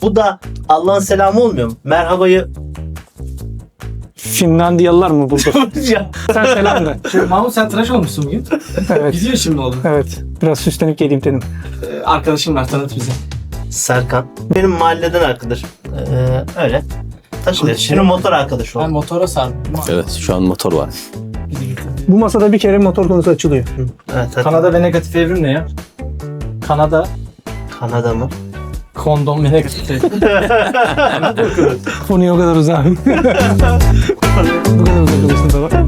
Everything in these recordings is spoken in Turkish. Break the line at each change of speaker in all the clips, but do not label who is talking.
Bu da Allah'ın selamı olmuyor mu? Merhabayı
Finlandiyalılar mı buldu?
ya.
Sen selam de.
Mahmut sen tıraş olmuşsun bugün.
Evet.
Gidiyor şimdi oğlum.
Evet. Biraz süslenip geleyim dedim.
Arkadaşım var, tanıt bize.
Serkan. Benim mahalleden arkadaşım. Öyle. Takılıyor. Şimdi motor arkadaşı
Ben
oldu.
motora sardım.
Evet, şu an motor var.
Bizi getirdi.
Bu masada bir kere motor konusu açılıyor.
Evet, hadi.
Kanada ve negatif evrim ne ya? Kanada,
Kanada mı?
kondom ve negatif evrim.
Konuya o kadar uzak. Bu kadar uzak olursun baba.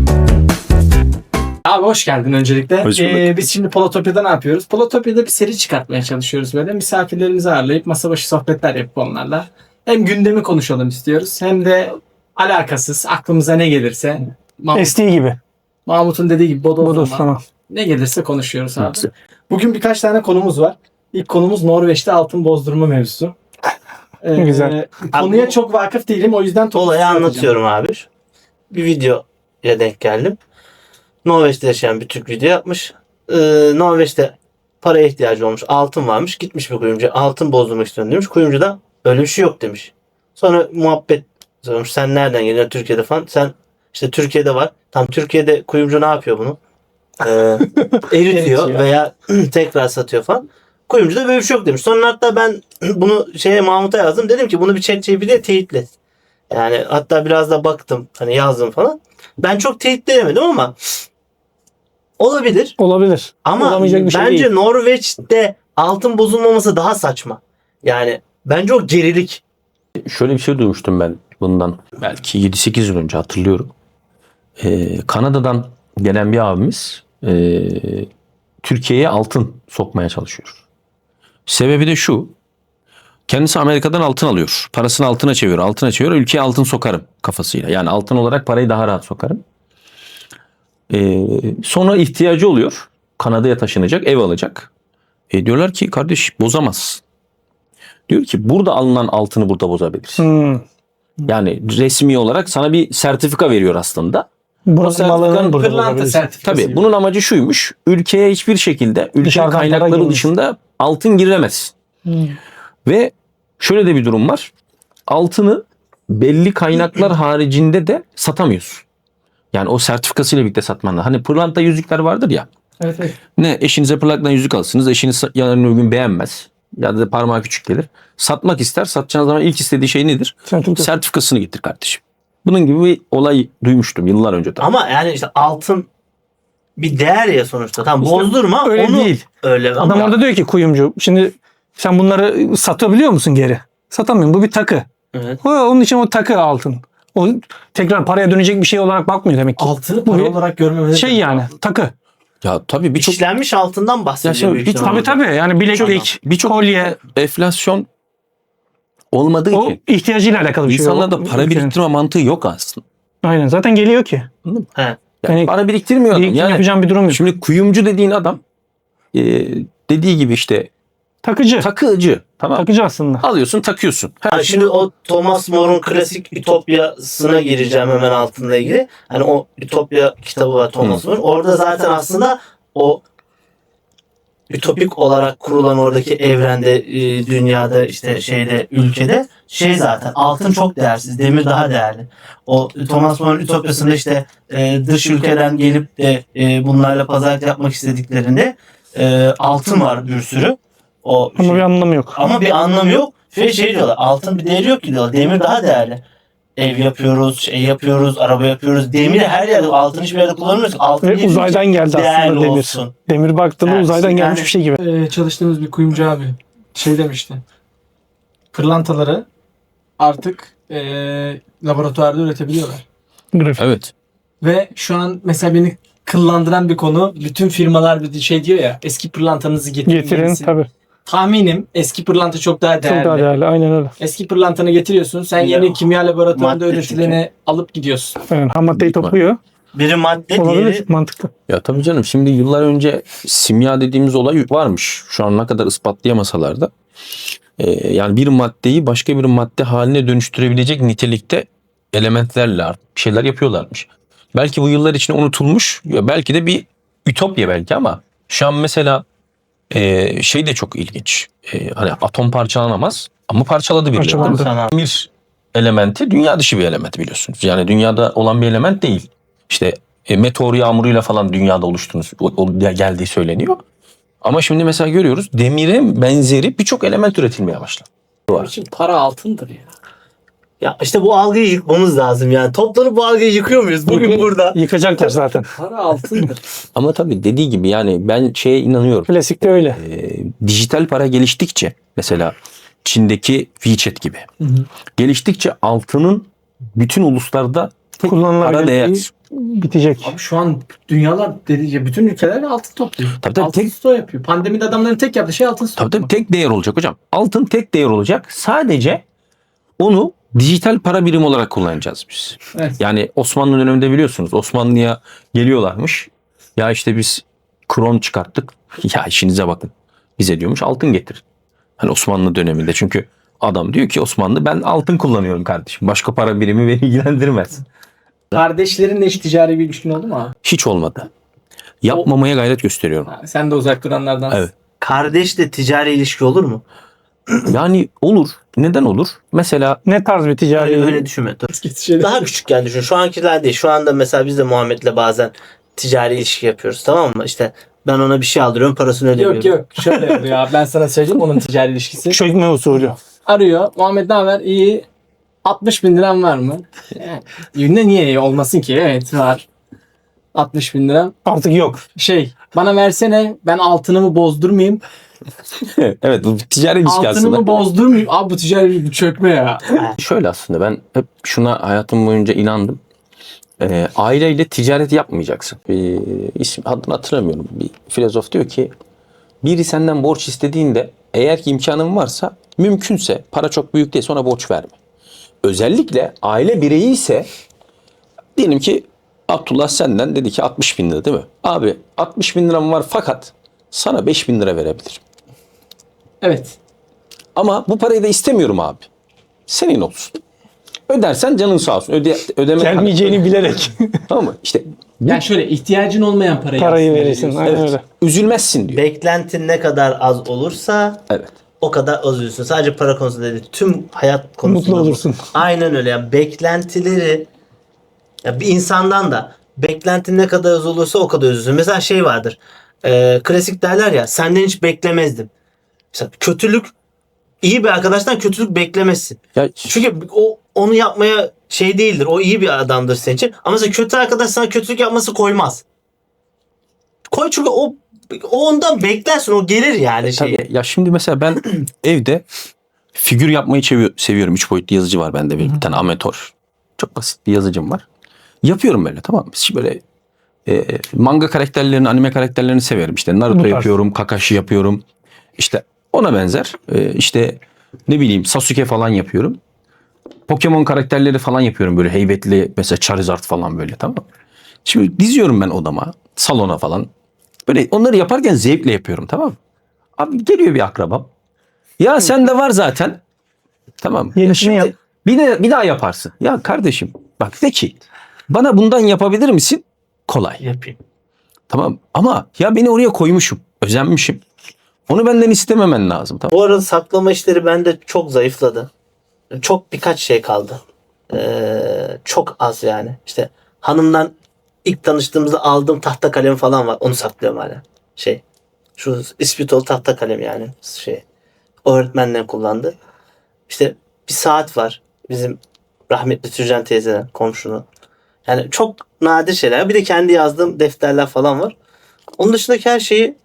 Abi hoş geldin öncelikle.
Hoş bulduk.
Biz şimdi Polotopya'da ne yapıyoruz? Polotopya'da bir seri çıkartmaya çalışıyoruz böyle. Misafirlerimizi ağırlayıp masa başı sohbetler yapıp onlarla. Hem gündemi konuşalım istiyoruz hem de alakasız aklımıza ne gelirse.
SD gibi.
Mahmut'un dediği gibi bodoslama.
Bodoslama.
Ne gelirse konuşuyoruz abi. Bugün birkaç tane konumuz var. İlk konumuz Norveç'te altın bozdurma mevzusu.
Güzel.
Konuya çok vakıf değilim o yüzden
Olayı anlatıyorum abi. Bir videoya denk geldim. Norveç'te yaşayan bir Türk video yapmış. Norveç'te paraya ihtiyacı olmuş. Altın varmış. Gitmiş bir kuyumcuya. Altın bozdurmak istiyorum demiş. Kuyumcu da öyle bir şey yok demiş. Sonra muhabbet sormuş. Sen nereden geliyorsun Türkiye'de falan. Sen işte Türkiye'de var. Tam Türkiye'de kuyumcu ne yapıyor bunu? Eritiyor veya tekrar satıyor falan. Kuyumcu da böyle bir şey yok demiş. Sonra hatta ben bunu Mahmut'a yazdım. Dedim ki bunu bir ChatGPT'ye teyitlet. Yani hatta biraz da baktım. Hani yazdım falan. Ben çok teyitleyemedim ama olabilir.
Olabilir.
Ama
Olamayacak bir şey
bence
değil.
Norveç'te altın bozulmaması daha saçma. Yani bence o gerilik.
Şöyle bir şey duymuştum ben bundan belki 7-8 yıl önce hatırlıyorum. Kanada'dan gelen bir abimiz Türkiye'ye altın sokmaya çalışıyor. Sebebi de şu. Kendisi Amerika'dan altın alıyor. Parasını altına çeviriyor. Altına çeviriyor. Ülkeye altın sokarım kafasıyla. Yani altın olarak parayı daha rahat sokarım. Sonra ihtiyacı oluyor. Kanada'ya taşınacak. Ev alacak. Diyorlar ki kardeş bozamaz. Diyor ki burada alınan altını burada bozabilirsin.
Hmm.
Yani resmi olarak sana bir sertifika veriyor aslında.
Burası
sertifikanın
malının burada
Pırlanta
olabilir.
sertifikası.
Tabii bunun amacı şuymuş. Ülkeye hiçbir şekilde ülke
Dışarıdan para
kaynakları
girmez.
dışında altın giremez. Ve şöyle de bir durum var. Altını belli kaynaklar haricinde de satamıyorsun. Yani o sertifikasıyla birlikte satman lazım. Hani pırlanta yüzükler vardır ya.
Evet, evet.
Ne eşinize pırlantadan yüzük alırsınız. Eşiniz yarın öbür gün beğenmez. Ya da parmağı küçük gelir. Satmak ister. Satacağınız zaman ilk istediği şey nedir? Sertifikasını getir kardeşim. Bunun gibi bir olay duymuştum yıllar önce.
Ama yani işte altın bir değer ya sonuçta. Tamam bozdurma.
öyle
onu
değil.
Öyle
Adam
ama
orada diyor ki kuyumcu. Şimdi sen bunları satabiliyor musun geri? Satamıyorum. Bu bir takı.
evet.
Onun için o takı altın. O tekrar paraya dönecek bir şey olarak bakmıyor demek ki.
Altını
Bu
para
bir
olarak görmemiz
şey yani takı.
Ya tabii birçok
işlenmiş altından bahsediyor.
Ya şimdi
büyük
bir-
ihtimalle.
Tabii yani bileklik,
birçok
kolye.
enflasyon olmadığı
O
için
ihtiyacıyla alakalı bir şey.
insanlarda
O-
para
ülkenin.
biriktirme mantığı yok aslında.
Aynen zaten geliyor ki.
He.
Yani
Para biriktirmiyor adam.
birikim
Yani
yapacağım bir durum yok.
şimdi kuyumcu dediğin adam dediği gibi işte
Takıcı.
takıcı. Tamam.
Takıcı aslında.
Alıyorsun takıyorsun.
Ha, şimdi o Thomas More'un klasik Ütopya'sına gireceğim hemen altında ilgili. Hani o Ütopya kitabı var Thomas More. Orada zaten aslında o ütopik olarak kurulan oradaki evrende, dünyada işte ülkede zaten altın çok değersiz, demir daha değerli. O Thomas More'un Ütopya'sında işte dış ülkeden gelip de bunlarla pazarlık yapmak istediklerinde altın var bir sürü. O
Ama bir anlamı yok.
ama bir anlamı yok. Diyorlar. Altın bir değeri yok ki diyorlar. Demir daha değerli. Ev yapıyoruz, yapıyoruz, araba yapıyoruz. Demiri her yerde, altın hiçbir yerde kullanmıyoruz. Altın
Ve uzaydan geldi
değerli
aslında demir.
olsun.
Demir baktığında
Evet,
uzaydan
yani-
gelmiş bir şey gibi.
Çalıştığımız bir kuyumcu abi şey demişti. Pırlantaları artık laboratuvarda üretebiliyorlar.
Grafik.
Evet.
Ve şu an mesela beni kıllandıran bir konu. Bütün firmalar bir şey diyor ya, eski pırlantanızı getirin.
Getirin
yenisi.
tabii.
Tahminim eski pırlanta çok daha değerli.
Çok daha değerli. Aynen öyle.
Eski pırlantanı getiriyorsun. Sen
Ya,
yeni kimya laboratuvarında
madde
üretileni alıp gidiyorsun.
Aynen. Ham maddeyi topluyor.
Biri madde,
Olabilir.
diğeri
Mantıklı.
Ya tabii canım şimdi yıllar önce simya dediğimiz olay varmış. Şu an ne kadar ispatlayamasalar da. Yani bir maddeyi başka bir madde haline dönüştürebilecek nitelikte elementlerle bir şeyler yapıyorlarmış. Belki bu yıllar içinde unutulmuş. Ya belki de bir ütopya belki ama şu an mesela Şey de çok ilginç. Hani atom parçalanamaz ama parçaladı birileri.
Parçaladı.
Sana
Bir elementi dünya dışı bir element biliyorsunuz. Yani dünyada olan bir element değil. İşte meteor yağmuruyla falan dünyada oluştuğunu geldiği söyleniyor. Ama şimdi mesela görüyoruz demire benzeri birçok element üretilmeye başladı.
Benim için para altındır ya.
ya işte bu algıyı yıkmamız lazım yani. Toplanıp bu algıyı yıkıyor muyuz bugün burada?
Yıkacaklar zaten.
Para altındır.
Ama tabii dediği gibi yani ben şeye inanıyorum.
Klasikte öyle.
Dijital para geliştikçe mesela Çin'deki WeChat gibi geliştikçe altının bütün uluslarda tek para
Kullanılabilir.
değer.
Bitecek.
Abi şu an dünyalar dediğince bütün ülkeler altın topluyor.
Tabii,
altın
tek-
stoğu yapıyor. Pandemide adamların tek yaptığı şey altın stoğu.
Tabii tek değer olacak hocam. Altın tek değer olacak. Sadece onu dijital para birimi olarak kullanacağız biz.
Evet.
Yani Osmanlı döneminde biliyorsunuz Osmanlı'ya geliyorlarmış. Ya işte biz kron çıkarttık. Ya işinize bakın. Bize diyormuş altın getir. Hani Osmanlı döneminde çünkü adam diyor ki Osmanlı ben altın kullanıyorum kardeşim. Başka para birimi beni ilgilendirmez.
Kardeşlerinle hiç ticari bir ilişkin oldu mu abi?
Hiç olmadı. Yapmamaya gayret gösteriyorum.
Ha, sen de uzak duranlardansın.
Evet.
Kardeşle ticari ilişki olur mu?
Yani olur. Neden olur? Mesela
Ne tarz bir ticari?
Öyle düşünme. Dur.
Şeyler-
Daha küçükken düşün. Şu ankiler değil. Şu anda mesela biz de Muhammed'le bazen ticari ilişki yapıyoruz, tamam mı? İşte ben ona bir şey aldırıyorum, parasını ödemiyorum.
Yok yok şöyle oluyor abi, ben sana söyleyeyim onun ticari ilişkisi.
Çökme usulü.
Arıyor, Muhammed ne haber? İyi. 60 bin liram var mı? Yani, niye olmasın ki? Evet var. 60 bin liram.
Artık yok.
Bana versene, ben altınımı bozdurmayayım.
evet bu ticari ilişki aslında.
Altınımı bozdurmayayım. Abi bu ticari bir çökme ya.
Şöyle aslında ben hep şuna hayatım boyunca inandım. Aileyle ticaret yapmayacaksın. Bir isim adını hatırlamıyorum. Bir filozof diyor ki biri senden borç istediğinde eğer ki imkanın varsa mümkünse para çok büyük değil ona borç verme. Özellikle aile bireyi ise diyelim ki Abdullah senden dedi ki 60 bin lira değil mi? Abi 60 bin liram var fakat sana 5 bin lira verebilirim.
Evet.
Ama bu parayı da istemiyorum abi. Senin olsun. Ödersen canın sağ olsun. Ödeme
Gelmeyeceğini bilerek
Tamam mı? İşte
Yani şöyle ihtiyacın olmayan parayı
parayı
aslında
verirsin.
veriyorsun.
Aynen
evet,
öyle.
üzülmezsin diyor.
Beklentin ne kadar az olursa
Evet.
o kadar az üzülsün. Sadece para konusunda değil. Tüm hayat konusunda.
Mutlu
bu.
olursun.
Aynen öyle. Yani beklentileri ya bir insandan da beklentin ne kadar az olursa o kadar üzülsün. Mesela şey vardır. Klasik derler ya, senden hiç beklemezdim. Mesela kötülük, iyi bir arkadaştan kötülük beklemezsin.
Ya
Çünkü o onu yapmaya şey değildir. O iyi bir adamdır senin için. Ama mesela kötü arkadaş sana kötülük yapması koymaz. Koy çünkü o ondan beklersin. O gelir yani şey.
tabii, ya şimdi mesela ben evde figür yapmayı seviyorum. 3 boyutlu yazıcı var bende bir tane amatör. Çok basit bir yazıcım var. Yapıyorum böyle tamam mı? Böyle manga karakterlerini, anime karakterlerini severim. İşte
Bu
Naruto
tarz.
yapıyorum, Kakashi yapıyorum. İşte ona benzer. İşte ne bileyim Sasuke falan yapıyorum. Pokemon karakterleri falan yapıyorum böyle heybetli mesela Charizard falan böyle tamam mı? Şimdi diziyorum ben odama, salona falan. Böyle onları yaparken zevkle yapıyorum tamam mı? Abi geliyor bir akrabam. Ya sende var zaten. Tamam.
Yenisini yap.
Bir daha yaparsın. Ya kardeşim bak de ki bana bundan yapabilir misin? Kolay.
Yapayım.
Tamam ama ya beni oraya koymuşum. Özenmişim. Onu benden istememen lazım. Tamam.
Bu arada saklama işleri bende çok zayıfladı. Çok birkaç şey kaldı. Çok az yani. İşte hanımdan ilk tanıştığımızda aldığım tahta kalem falan var. Onu saklıyorum hala. Şu ispitol tahta kalem yani. O öğretmenler kullandı. İşte bir saat var. Bizim rahmetli Türcan teyzeden, komşunun. Yani çok nadir şeyler. Bir de kendi yazdığım defterler falan var. Onun dışındaki her şeyi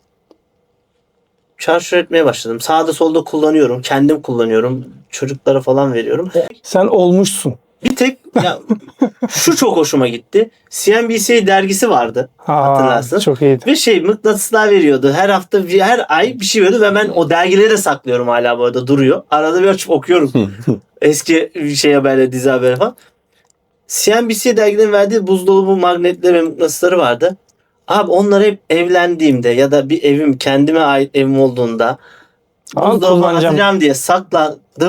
çarşur etmeye başladım. Sağda solda kullanıyorum. Kendim kullanıyorum. Çocuklara falan veriyorum.
Sen olmuşsun.
Bir tek ya, şu çok hoşuma gitti. CNBC dergisi vardı. Hatırlarsın.
Çok iyiydi.
Ve mıknatıslar veriyordu. Her hafta, her ay bir şey veriyordu ve ben o dergileri de saklıyorum hala bu arada duruyor. Arada bir açıp okuyorum. Eski böyle dizi haberi falan. CNBC dergilerin verdiği buzdolabı magnetleri ve mıknatısları vardı. Abi onları hep evlendiğimde ya da bir evim kendime ait evim olduğunda buzdolabı
kullanacağım.
atacağım diye sakladım.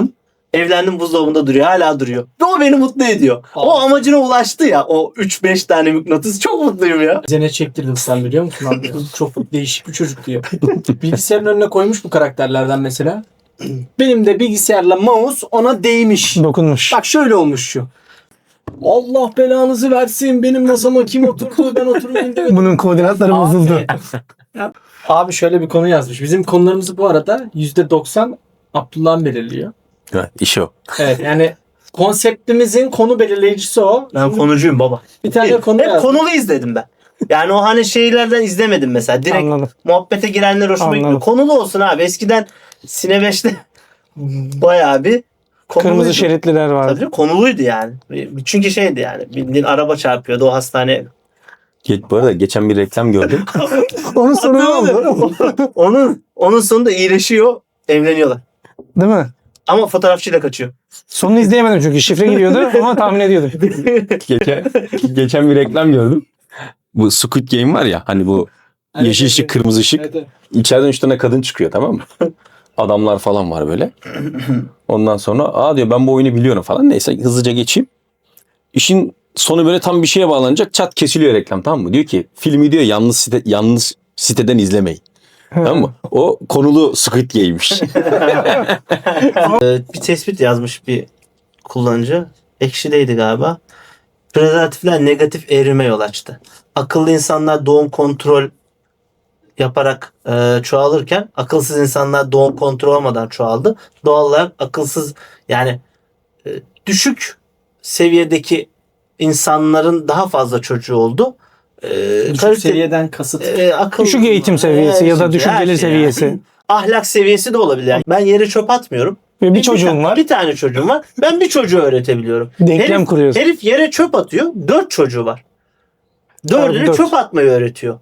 Evlendim, buzdolabında duruyor. Hala duruyor. Ve o beni mutlu ediyor. O amacına ulaştı ya. O 3-5 tane mıknatıs. Çok mutluyum ya.
Bize ne çektirdi sen biliyor musun abi? Çok değişik bir çocuk diyor. Bilgisayarın önüne koymuş bu karakterlerden mesela. Benim de bilgisayarla mouse ona değmiş.
Dokunmuş.
Bak şöyle olmuş şu. Allah belanızı versin. Benim masama kim oturdu? Ben oturmayayım demedim.
Bunun koordinatları bozuldu.
Abi şöyle bir konu yazmış. Bizim konularımızı bu arada %90 Abdullah'ın belirliyor.
Evet, işi o.
Evet yani konseptimizin konu belirleyicisi o.
Ben konuşuyum baba.
Bir tane konu
Hep
yazmış.
konulu izledim ben. Yani o hani şeylerden izlemedim mesela. Direkt
Anladım.
muhabbete girenler hoşuma
Anladım.
gidiyor. Konulu olsun abi. Eskiden Sine 5'te bayağı bir konuluydu.
Kırmızı şeritliler vardı.
Tabii konuluydu yani. Çünkü şeydi yani. Bildiğin araba çarpıyordu o hastane.
Bu arada geçen bir reklam gördüm.
Onun sonu ne oldu?
onun sonunda iyileşiyor. Evleniyorlar.
Değil mi?
Ama fotoğrafçıyla kaçıyor.
Sonunu izleyemedim çünkü şifre giriyordu ama tahmin ediyordum.
geçen bir reklam gördüm. Bu Squid Game var ya hani bu
Evet,
yeşil ışık,
evet.
kırmızı ışık.
Evet, evet.
İçeriden 3 tane kadın çıkıyor, tamam mı? Adamlar falan var böyle. Ondan sonra diyor ben bu oyunu biliyorum falan. Neyse hızlıca geçeyim. İşin sonu böyle tam bir şeye bağlanacak. Çat kesiliyor reklam, tamam mı? Diyor ki filmi diyor yalnız siteden izlemeyin. Tamam mı? O konulu Squid Game'miş.
Bir tespit yazmış bir kullanıcı. Ekşi'deydi galiba. Prezervatifler negatif evrime yol açtı. Akıllı insanlar doğum kontrol yaparak çoğalırken akılsız insanlar doğum kontrol olmadan çoğaldı. Doğal olarak akılsız yani düşük seviyedeki insanların daha fazla çocuğu oldu.
Düşük seviyeden kasıt.
Akıl,
Düşük eğitim seviyesi ya da
şimdi
düşük
her
gelir
şey
seviyesi.
yani. Ahlak seviyesi de olabilir. Yani ben yere çöp atmıyorum.
Ve bir çocuğum var.
Bir tane çocuğum var. Ben bir çocuğu öğretebiliyorum.
Denklem kuruyorsun.
Herif yere çöp atıyor. 4 çocuğu var. 4'ünü
Abi, 4.
çöp atmayı öğretiyor.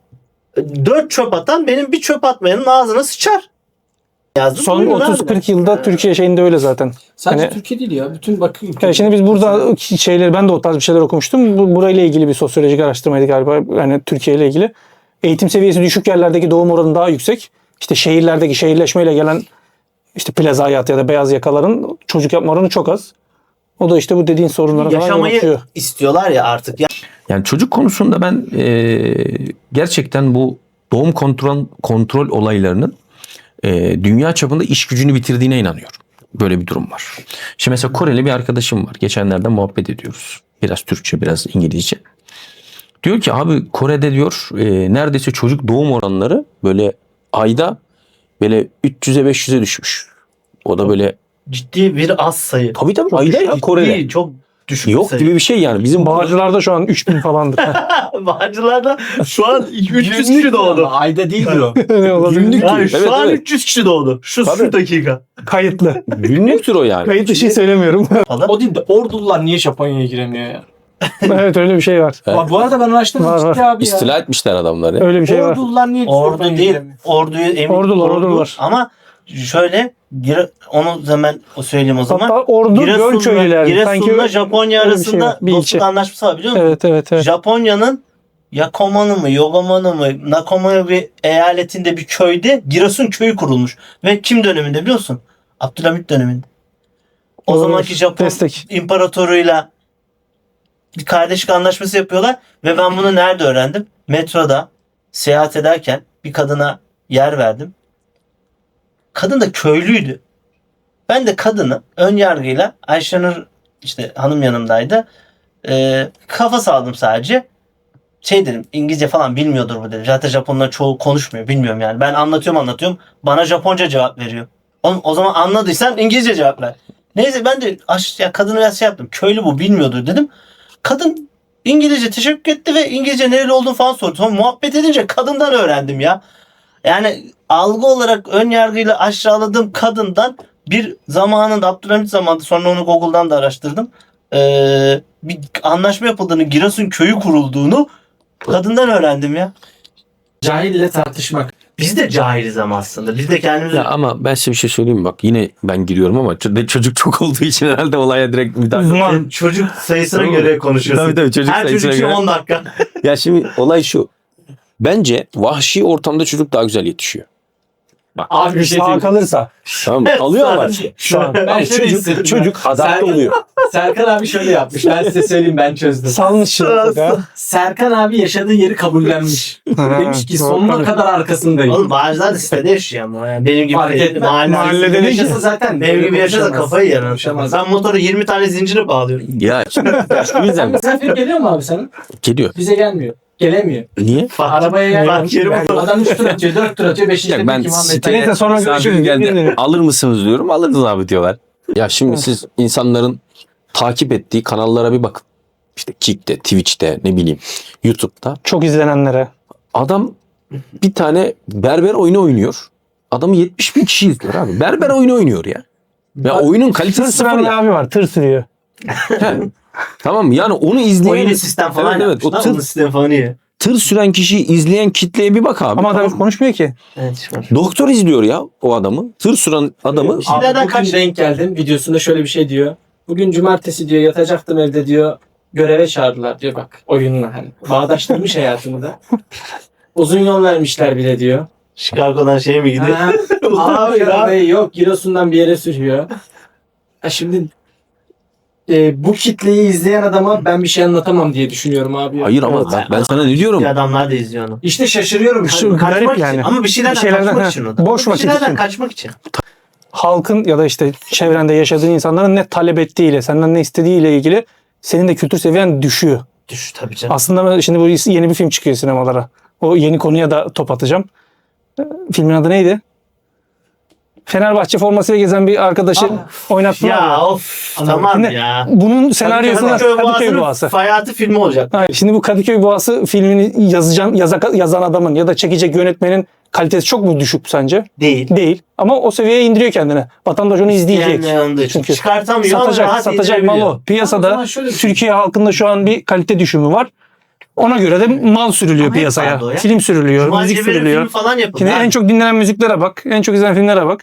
4 çöp atan benim bir çöp atmayanın ağzına sıçar. Yazdım.
Son
buyurun abi.
30-40 yılda Türkiye şeyinde öyle zaten.
Sadece
Hani-
Türkiye değil ya. Bütün bakın.
Yani şimdi biz burada şeyleri ben de o tarz bir şeyler okumuştum. Burayla ilgili bir sosyolojik araştırmaydı galiba. Yani Türkiye ile ilgili. Eğitim seviyesi düşük yerlerdeki doğum oranı daha yüksek. İşte şehirlerdeki şehirleşmeyle gelen işte plaza hayatı ya da beyaz yakaların çocuk yapma oranı çok az. O da işte bu dediğin sorunlara falan yol
Yaşamayı
açıyor.
istiyorlar ya artık.
Yani çocuk konusunda ben gerçekten bu doğum kontrol olaylarının dünya çapında iş gücünü bitirdiğine inanıyorum. Böyle bir durum var. Şimdi mesela Koreli bir arkadaşım var. Geçenlerde muhabbet ediyoruz. Biraz Türkçe, biraz İngilizce. Diyor ki abi Kore'de diyor neredeyse çocuk doğum oranları böyle ayda böyle 300'e 500'e düşmüş. O da böyle
Ciddi bir az sayı.
tabii
Çok
ayda
düşük,
ya
ciddi,
Kore'de.
çok düşük
Yok
sayı.
gibi bir şey yani. Bizim
Bağcılar'da şu an 3000 falandır.
Bağcılar'da şu an 300
Günlük
kişi doğdu.
ama ayda değildir o.
Ne olabilir?
Günlük
Yani
Evet,
şu an
evet.
300 kişi doğdu. Şu
Tabii.
dakika.
Kayıtlı.
günlüktür o yani.
Kayıt dışı söylemiyorum.
Falan.
O değil de Ordulular niye Japonya'ya giremiyor ya?
Evet öyle bir şey var.
Evet.
Bu arada ben araştırdım
Var,
ciddi abi ya.
İstila etmişler adamları.
Öyle bir şey var.
Ordulular niye
Ordu
Japonya'ya
değil.
giremiyor?
Orduyu emin.
Ordular.
Ama şöyle onu zaman söyleyeyim o zaman.
Hatta Ordu Gölköylüler.
Giresun'la Japonya
öyle bir şey
arasında
var, bir
dostluk
ilçe.
anlaşması var biliyor musun?
Evet.
Japonya'nın Yakomanı mı, Yogamanı mı, Nakoma bir eyaletinde bir köyde Giresun köyü kurulmuş. Ve kim döneminde biliyor musun? Abdülhamit döneminde. O
Doğru.
zamanki Japon
Destek.
imparatoruyla bir kardeşlik anlaşması yapıyorlar. Ve ben bunu nerede öğrendim? Metroda seyahat ederken bir kadına yer verdim. Kadın da köylüydü. Ben de kadını ön yargıyla Ayşenur işte hanım yanımdaydı. Kafa saldım sadece. Şey dedim İngilizce falan bilmiyordur bu dedim. Zaten Japonlar çoğu konuşmuyor bilmiyorum yani. Ben anlatıyorum. Bana Japonca cevap veriyor. O zaman anladıysan İngilizce cevap ver. Neyse ben de kadını biraz şey yaptım. Köylü bu bilmiyordur dedim. Kadın İngilizce teşekkür etti ve İngilizce nereli olduğunu falan sordu. Sonra muhabbet edince kadından öğrendim ya. Yani algı olarak ön yargıyla aşağıladığım kadından bir zamanında Abdülhamit zamanında sonra onu Google'dan da araştırdım. Bir anlaşma yapıldığını, Giresun köyü kurulduğunu kadından öğrendim ya.
Cahille tartışmak.
Biz de cahiliz ama aslında. Biz de kendimiz
Ya ama ben size bir şey söyleyeyim mi? Bak yine ben giriyorum ama çocuk çok olduğu için herhalde olaya direkt müdahale.
çocuk sayısına
Tamam.
göre konuşuyorsun.
Tabii çocuk
Her
sayısına
çocuk için
göre.
10 dakika.
Ya şimdi olay şu. Bence vahşi ortamda çocuk daha güzel yetişiyor.
Abi bir şey
Sağ
diyeyim.
kalırsa.
Tamam alıyorlar.
Şu an.
Ben şöyle hissettim
çocuk
ya.
adapte
Serkan-
oluyor.
Serkan abi şöyle yapmış. Ben size söyleyeyim, ben çözdüm.
Salmış ya.
Serkan abi yaşadığı yeri kabullenmiş. Demiş ki sonuna kadar arkasındayım.
Oğlum bazıları da sitede yaşıyor ama yani benim gibi
Fark etmez.
Mahallede
Yaşasa
yaşasa
zaten
benim gibi yaşasa
konuşamaz.
kafayı yer.
Konuşamaz.
Ben motoru 20 tane zincire bağlıyorum.
Ya şu
Sen
yüzden
misafir geliyor mu abi senin?
geliyor.
Bize gelmiyor. Gelemiyor.
Niye?
Arabaya yer.
Bak yerim
Adam 3 tur atıyor, 4 tur atıyor, 5.
Ya ben
Neyse sonra
misafir
görüşürüz.
geldi. Alır mısınız diyorum. Alırız abi diyorlar. Ya şimdi siz insanların takip ettiği kanallara bir bakın. İşte Kick'te, Twitch'te, ne bileyim YouTube'da.
Çok izlenenlere.
Adam bir tane berber oyunu oynuyor. Adamı 70 bin kişi izliyor abi. Berber oyunu oynuyor ya. Ya oyunun
Tır
kalitesi sıfır
süren bir
ya.
abi var. Tır sürüyor.
He. Tamam mı? Yani onu izleyen...
Oyunu sistem falan
Evet, evet. O
yapmışlar. Onun sistem falan iyi.
tır süren kişiyi izleyen kitleye bir bak abi.
Ama adam
Tamam.
konuşmuyor ki.
Evet. Şu an.
Doktor izliyor ya o adamı. Tır süren adamı.
Abi
Nereden
bugün
kaç-
denk geldim. Videosunda şöyle bir şey diyor. Bugün cumartesi diyor, yatacaktım evde diyor. Göreve çağırdılar diyor, bak oyunla hani. Bağdaştırmış hayatımı da. Uzun yol vermişler bile diyor.
Chicago'dan şey mi gidiyor?
Ha, abi arabayı yok Giresun'dan bir yere sürüyor. Ha şimdi bu kitleyi izleyen adama ben bir şey anlatamam diye düşünüyorum abi.
Hayır ama
Evet.
ben sana ne diyorum?
Bir adamlar da izliyor onu.
İşte şaşırıyorum.
Şu
Hani
garip
Kaçmak
yani.
için. Ama bir şeylerden,
Bir şeylerden,
kaçmak
ha,
için o da.
boş
Bir
vakit
şeylerden
için.
kaçmak için.
Halkın ya da işte çevrende yaşadığın insanların ne talep ettiğiyle, senden ne istediğiyle ilgili senin de kültür seviyen düşüyor.
Düş tabii canım.
Aslında ben şimdi bu yeni bir film çıkıyor sinemalara. O yeni konuya da top atacağım. Filmin adı neydi? Fenerbahçe formasıyla gezen bir arkadaşı oynattılar.
Ya of tamam
Şimdi
ya.
Bunun senaryosu Kadıköy
Boğazı'nın
Boğası.
hayatı filmi olacak.
Hayır, şimdi bu Kadıköy Boğası filmini yazan adamın ya da çekecek yönetmenin kalitesi çok mu düşük sence?
Değil.
Değil. Ama o seviyeye indiriyor kendini. Vatandaş onu izleyecek.
Yani yandığı için.
Çünkü
Çıkartamıyor ama rahat
satacak mal
indirebiliyor.
o. Piyasada
zaman şöyle düşün.
Türkiye halkında şu an bir kalite düşümü var. Ona göre de mal sürülüyor
Ama hep
piyasaya.
vardı o ya.
Film sürülüyor,
Cuma
müzik
Cebeli
sürülüyor.
filmi falan yapıldı.
Şimdi
ha.
en çok dinlenen müziklere bak, en çok izlenen filmlere bak.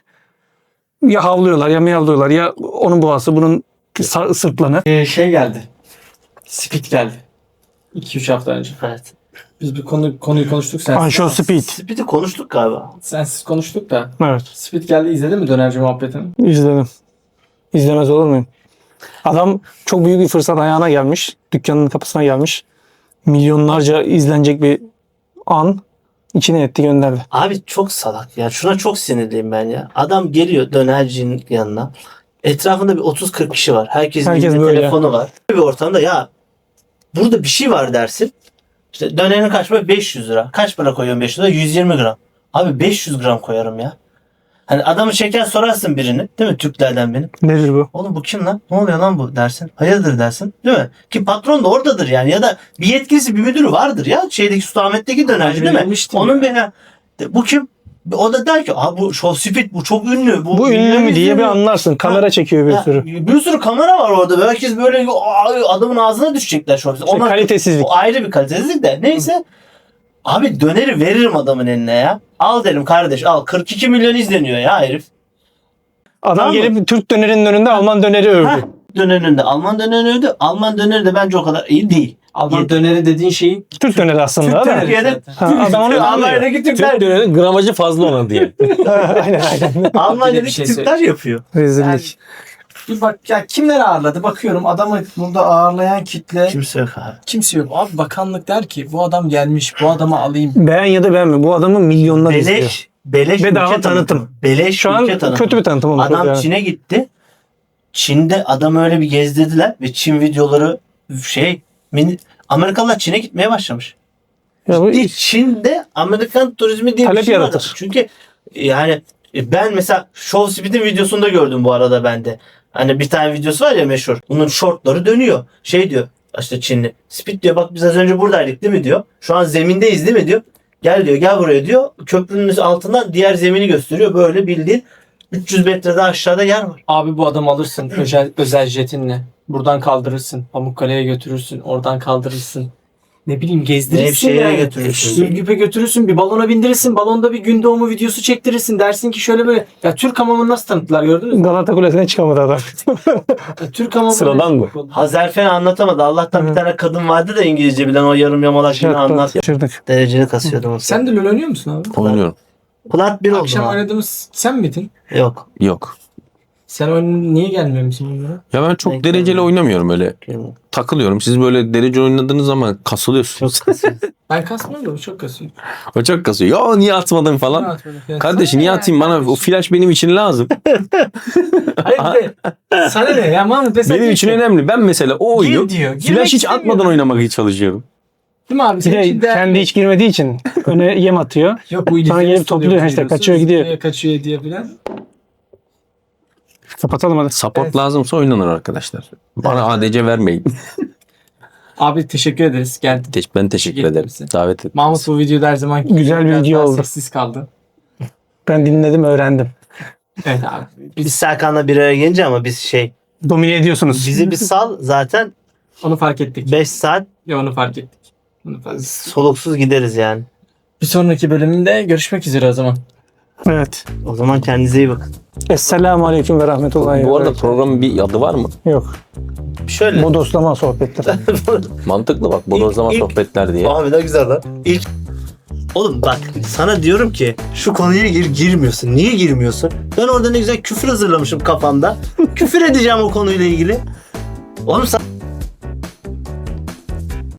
Ya havlıyorlar, ya miyavlıyorlar, ya onun boğası, bunun sırtlanı.
Şey geldi. Speed geldi. 2-3 hafta önce.
Evet.
Biz bir konuyu konuştuk sensiz.
Anşo Speed.
Speed'i konuştuk galiba.
Sensiz konuştuk da.
Evet,
Speed geldi, izledin mi dönerci muhabbetini?
izledim. İzlemez olur muyum? Adam çok büyük bir fırsat ayağına gelmiş. Dükkanın kapısına gelmiş. Milyonlarca izlenecek bir an içine etti gönderdi.
Abi çok salak ya. Şuna çok sinirliyim ben ya. Adam geliyor dönercinin yanına. Etrafında bir 30-40 kişi var. Herkesin
Herkes
elinde
böyle.
telefonu var. Bir ortamda ya burada bir şey var dersin. İşte dönerin kaç para? 500 lira. Kaç para koyuyorsun 500 lira? 120 gram. Abi 500 gram koyarım ya. Hani adamı çeken sorarsın birini. Değil mi? Türklerden benim.
Nedir bu?
Oğlum bu kim lan? Ne oluyor lan bu dersin. Hayırdır dersin. Değil mi? Ki patron da oradadır yani. Ya da bir yetkilisi bir müdürü vardır ya. Şeydeki Sultanahmet'teki dönerci değil mi?
Verilmişti
Onun
ya.
bir bu kim? O da der ki bu Show Speed bu çok ünlü.
Bu ünlü mü diye bir
izleniyor."
anlarsın. Kamera çekiyor bir
Ya,
sürü.
bir sürü kamera var orada. Herkes böyle adamın ağzına düşecekler Show Speed.
İşte
Onlar-
kalitesizlik.
o ayrı bir kalitesizlik de. Neyse. Abi döneri veririm adamın eline ya. Al derim kardeş al. 42 milyon izleniyor ya herif.
Adam
Tamam mı?
gelip Türk dönerinin önünde Alman döneri övdü.
Heh, dönerinde Alman döneri öldü. Alman döneri de bence o kadar iyi değil.
Alman döneri dediğin şeyi
Türk döneri aslında.
Türk
değil mi?
döneri.
Türkiye'de
Ha, adam onu anlıyor.
Almanya'daki Türkler,
Türk dönerin gramajı fazla ona diye.
Aynen aynen.
Almanya'daki
Bir şey
Türkler yapıyor.
Rezillik.
bir bak ya, kimler ağırladı bakıyorum, adamı burada ağırlayan kitle
Kimse yok abi.
kimse yok. Abi bakanlık der ki bu adam gelmiş, bu adamı alayım.
Beğen ya da beğenme. Bu adamı milyonlar izliyor.
Beleş
Bedava
ülke
tanıtım.
Beleş
Şu an
ülke tanıtım.
kötü bir tanıtım olmuş.
Adam
yani.
Çin'e gitti. Çin'de adamı öyle bir gezdirdiler ve Çin videoları Amerikalılar Çin'e gitmeye başlamış.
Ya bu
Çin'de Amerikan turizmi diye
Talep
bir şey
yaratır.
var. Çünkü yani ben mesela Show Speed'in videosunda gördüm bu arada ben de. Hani bir tane videosu var ya meşhur. Bunun shortları dönüyor. Şey diyor işte Çinli. Speed diyor bak biz az önce buradaydık değil mi diyor. Şu an zemindeyiz değil mi diyor. Gel diyor gel buraya diyor. Köprünün altından diğer zemini gösteriyor. Böyle bildiğin 300 metrede aşağıda yer var.
Abi bu adamı alırsın özel jetinle. Buradan kaldırırsın. Pamukkale'ye götürürsün. Oradan kaldırırsın. Ne bileyim gezdirirsin
Nevşehir'e
yani.
götürürsün.
Ürgüp'e götürürsün. Bir balona bindirirsin. Balonda bir gün doğumu videosu çektirirsin. Dersin ki şöyle böyle. Ya Türk hamamını nasıl tanıttılar gördünüz mü?
Galata Kulesi'ne çıkamadı adam.
Ya, Türk hamamı.
Sıradan bu.
Hazerfen anlatamadı. Allah'tan bir tane kadın vardı da İngilizce bilen o yarım yamalak yine anlat.
Şaşırdık.
Dereceli kasıyordum o
Sen de LoL oynuyor musun abi?
Oynuyorum.
Plat 1 oldu.
Akşam oynadığımız sen miydin?
Yok.
Yok.
Sen oyun niye gelmemişsin bunlara?
Ya ben çok
Denk
dereceli
gelmiyor.
oynamıyorum öyle. Takılıyorum. Siz böyle derece oynadığınız zaman kasılıyorsunuz.
Çok kasıyor.
Ben kasmıyorum da bu çok kasıyor.
O çok kasıyor. Ya niye atmadın falan. Kardeş niye atayım bana? O flash benim için lazım.
Hayır de sana ne ya Mahmut mesela
Benim için önemli. Ben mesela o oyunu
Gir diyor. Girmek
flash hiç
istemiyorum.
atmadan oynamaya çalışıyorum.
Değil mi abi?
Bir
Senin
de
için değerli.
kendi hiç girmediği için öne yem atıyor.
Yok bu
Sonra gelip topluyor, işte kaçıyor, gidiyor.
Kaçıyor diye falan.
Kapatalım hadi.
Support
Evet.
lazımsa oynanır arkadaşlar. Bana ADC vermeyin.
Abi teşekkür ederiz. Geldin.
Ben teşekkür
Teşekkür
ederim.
ederim.
Davet ettiniz.
Mahmut bu videoda her zaman
Güzel bir
biraz
video
daha
oldu.
Sessiz kaldı.
Ben dinledim, öğrendim.
Evet abi.
Biz Serkan'la bir araya gelince ama biz
Domine ediyorsunuz.
bizi bir sal zaten
Onu fark ettik.
5 saat
Ya onu fark ettik. Onu fark ettik.
soluksuz gideriz yani.
Bir sonraki bölümünde görüşmek üzere o zaman.
Evet.
O zaman kendinize iyi bakın.
Esselamu Aleyküm ve Rahmetullahi ve
Bu arada
Berekatuhu.
programın bir adı var mı?
Yok.
Şöyle.
Bodoslama sohbetler.
Mantıklı bak. Bodozlama
İlk-
sohbetler diye.
Abi ne güzel lan. Oğlum bak sana diyorum ki şu konuya girmiyorsun. Niye girmiyorsun? Ben orada ne güzel küfür hazırlamışım kafamda. Küfür edeceğim o konuyla ilgili. Oğlum sen